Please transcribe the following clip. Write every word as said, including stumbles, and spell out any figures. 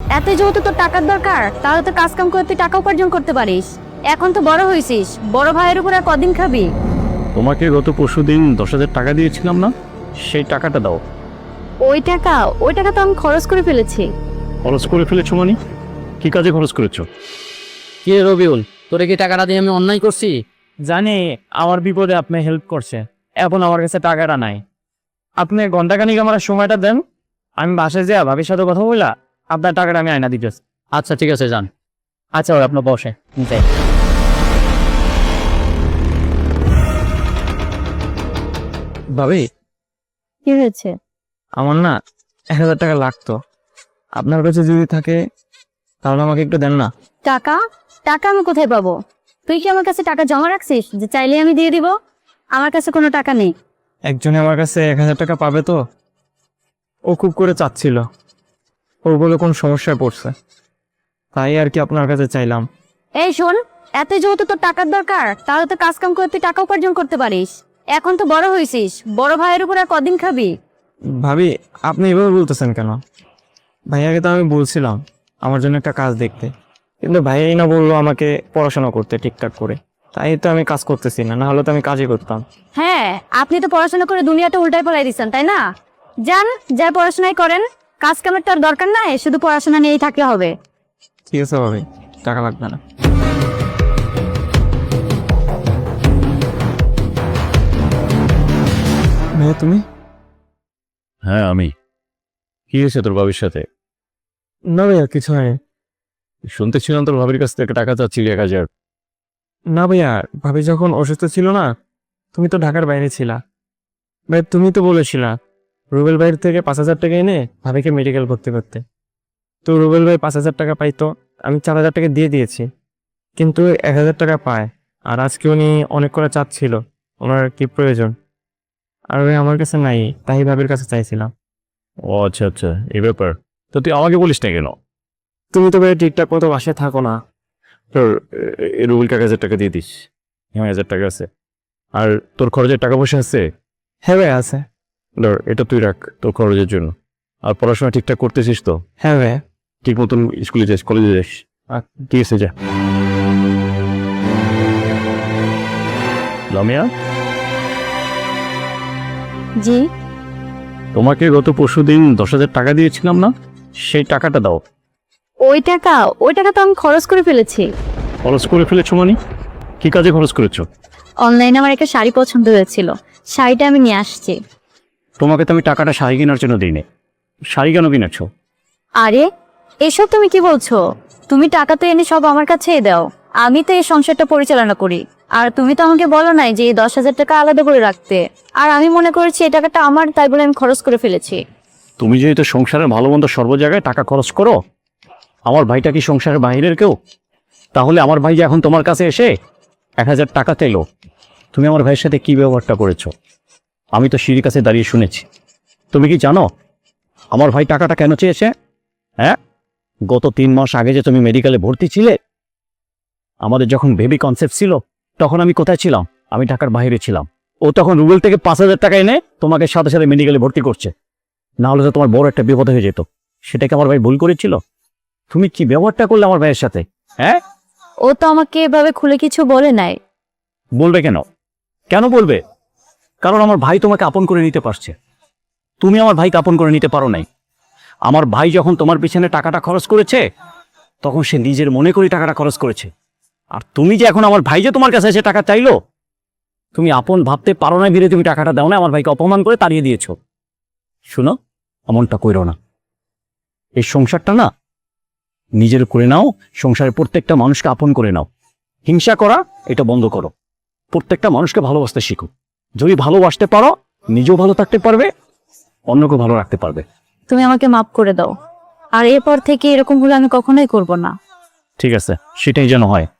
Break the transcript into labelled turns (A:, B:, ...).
A: এত যেহেতু তোর টাকার দরকার, তাহলে তো কাজ কাম করে তুই টাকা উপার্জন করতে পারিস। এখন তো বড় হয়েছিস, বড় ভাইয়ের উপর আর কদিন খাবি?
B: তোমাকে গত পরশু দিন দশ হাজার টাকা দিয়েছিলাম না, সেই টাকাটা দাও।
A: ওই টাকা ওই টাকা তো আমি খরচ করে ফেলেছি।
B: খরচ করে ফেলেছো মানে? কি কাজে খরচ করেছো?
C: কে রবিউল, তোরে কি টাকাটা দিয়ে আমি অন্যায় করছি?
D: জানি আমার বিপদে আপনি হেল্প করছে, এখন আমার কাছে টাকাটা নাই। আপনি ঘন্টাখানিক আমার সময়টা দেন, আমি বাসায় যাই ভাবির সাথে কথা বললা আপনার টাকাটা আমি আয়না দিতেছি।
C: আচ্ছা ঠিক আছে, যান।
D: আচ্ছা ওই আপনার বসে যাই। ভাবি,
A: কি হয়েছে?
D: আমার না এক হাজার টাকা লাগতো, আপনার কাছে যদি থাকে তাহলে আমাকে একটু দেন না।
A: টাকা? টাকা আমি কোথায় পাবো? তুই কি আমার কাছে টাকা জমা রাখছিস যে চাইলে আমি দিয়ে দিব? আমার কাছে কোনো টাকা নেই।
D: একজনে আমার কাছে এক হাজার টাকা পাবে তো, ও খুব করে চাচ্ছিল, ওর বলে কোন সমস্যায় পড়ছে, তাই আর কি আপনার কাছে চাইলাম।
A: এই শোন, এত যেহেতু তোর টাকার দরকার, তাহলে তো কাজ কাম করে তুই টাকা উপার্জন করতে পারিস। এখন তো বড় হয়েছিস, বড় ভাইয়ের উপর আর কদিন খাবি?
D: ভাবি আপনি এভাবে বলতেছেন কেন? ভাইয়াকে তো আমি বলছিলাম আমার জন্য একটা কাজ দেখতে, কিন্তু ভাইয়াই না বললো আমাকে পড়াশোনা করতে ঠিকঠাক করে, তাই তো আমি কাজ করতেছি না, না হলে তো আমি কাজই করতাম।
A: হ্যাঁ, আপনি তো পড়াশোনা করে দুনিয়াটা উল্টাই পড়াই দিচ্ছেন, তাই না? যান, যা পড়াশোনাই করেন, কাজ কামের তো আর দরকার নাই, শুধু পড়াশোনা নিয়েই থাকলে হবে।
D: ঠিক আছে ভাবি, টাকা লাগবে না। ভাইয়া তুমি?
B: হ্যাঁ আমি। কি হয়েছে তোর ভাবির সাথে?
D: না ভাইয়া কিছু হয়নি।
B: শুনতেছিলাম তোর ভাবির কাছ থেকে টাকা চাচ্ছিলি এক হাজার।
D: না ভাইয়া, ভাবি যখন অসুস্থ ছিল না, তুমি তো ঢাকার বাইরে ছিলা, ভাই তুমি তো বলেছিলা রুবেল ভাইয়ের থেকে পাঁচ হাজার টাকা এনে ভাবিকে মেডিকেল ভর্তি করতে। তো রুবেল ভাই পাঁচ হাজার টাকা পাইতো, আমি চার হাজার টাকা দিয়ে দিয়েছি, কিন্তু এক হাজার টাকা পায়। আর আজকে উনি অনেক করে চাচ্ছিল, ওনার কি প্রয়োজন, আর ওই আমার কাছে নাই, তাই ভাবির কাছে চাইছিলাম।
B: ও আচ্ছা আচ্ছা, এই ব্যাপার। তো তুই আমাকে বলিস না কেন?
D: তুমি তো ভাই ঠিকঠাক মতো বাসায় থাকো না।
B: তোর এ, রুবেলকে এক হাজার টাকা দিয়ে দিস। হ্যাঁ হাজার টাকা আছে। আর তোর খরচের টাকা পয়সা আছে?
D: হ্যাঁ ভাই আছে।
B: ধর এটা তুই রাখ তোর খরচের জন্য। আর পড়াশোনা ঠিকঠাক করতেছিস তো?
D: হ্যাঁ ভাই।
B: ঠিক মতন স্কুলে যাস, কলেজে যাস। ঠিক আছে যা। লামিয়া,
A: জি?
B: তোমাকে গত পরশু দিন দশ হাজার টাকা দিয়েছিলাম না, সেই টাকাটা দাও।
A: ওই টাকা ওই টাকা তো আমি খরচ করে ফেলেছি।
B: খরচ করে ফেলেছো মানে? কি কাজে খরচ করেছো?
A: অনলাইনে আমার একটা শাড়ি পছন্দ হয়েছিল, শাড়িটা আমি নিয়ে আসছি।
B: তোমাকে তো আমি টাকাটা শাড়ি কেনার জন্য দিইনি। শাড়ি কেন কিনেছো?
A: আরে এসব তুমি কি বলছো? তুমি টাকা তো এনে সব আমার কাছেই দাও, আমি তো এই সংসারটা পরিচালনা করি। আর তুমি তো আমাকে বলো নাই যে এই দশ হাজার টাকা আলাদা করে রাখতে, আর আমি মনে করেছি এই টাকাটা আমার, তাই বলে আমি খরচ করে ফেলেছি।
B: তুমি যেহেতু সংসারের ভালো মন্দ সর্ব জায়গায় টাকা খরচ করো, আমার ভাইটা কি সংসারের বাইরের কেউ? তাহলে আমার ভাই যে এখন তোমার কাছে এসে এক হাজার টাকা চাইলো, তুমি আমার ভাইয়ের সাথে কি ব্যবহারটা করেছো আমি তো সিঁড়ির কাছে দাঁড়িয়ে শুনেছি। তুমি কি জানো আমার ভাই টাকাটা কেন চেয়েছে? হ্যাঁ, গত তিন মাস আগে যে তুমি মেডিকেলে ভর্তি ছিলে, আমাদের যখন বেবি কনসেপ্ট ছিল, তখন আমি কোথায় ছিলাম? আমি ঢাকার বাইরে ছিলাম। ও তখন রুবেল থেকে পাঁচ হাজার টাকা এনে তোমাকে সাথে সাথে মেডিকেলে ভর্তি করছে, না হলে তো তোমার বড় একটা বিপদ হয়ে যেত। সেটাকে আমার ভাই ভুল করেছিল? তুমি কি ব্যবহারটা করলে আমার ভাইয়ের সাথে? হ্যাঁ,
A: ও তো আমাকে এভাবে খুলে কিছু বলে নাই।
B: বলবে কেন? কেন বলবে? কারণ আমার ভাই তোমাকে আপন করে নিতে পারছে, তুমি আমার ভাইকে আপন করে নিতে পারো নাই। আমার ভাই যখন তোমার পিছনে টাকাটা খরচ করেছে, তখন সে নিজের মনে করে টাকাটা খরচ করেছে। আর তুমি যে এখন আমার ভাই যে তোমার কাছে এসে টাকা চাইলো, তুমি আপন ভাবতে পারো না ভিড়ে তুমি টাকাটা দাও না, আমার ভাইকে অপমান করে তাড়িয়ে দিয়েছো। শুনো, এমনটা কইরো না। এই সংসারটা না নিজের করে নাও, সংসারের প্রত্যেকটা মানুষকে আপন করে নাও। হিংসা করা এটা বন্ধ করো, প্রত্যেকটা মানুষকে ভালোবাসতে শিখো। যদি ভালোবাসতে পারো, নিজেও ভালো থাকতে পারবে, অন্যকে ভালো রাখতে পারবে।
A: তুমি আমাকে মাফ করে দাও, আর এরপর থেকে এরকম হলে আমি কখনোই করব না।
B: ঠিক আছে, সেটাই যেন হয়।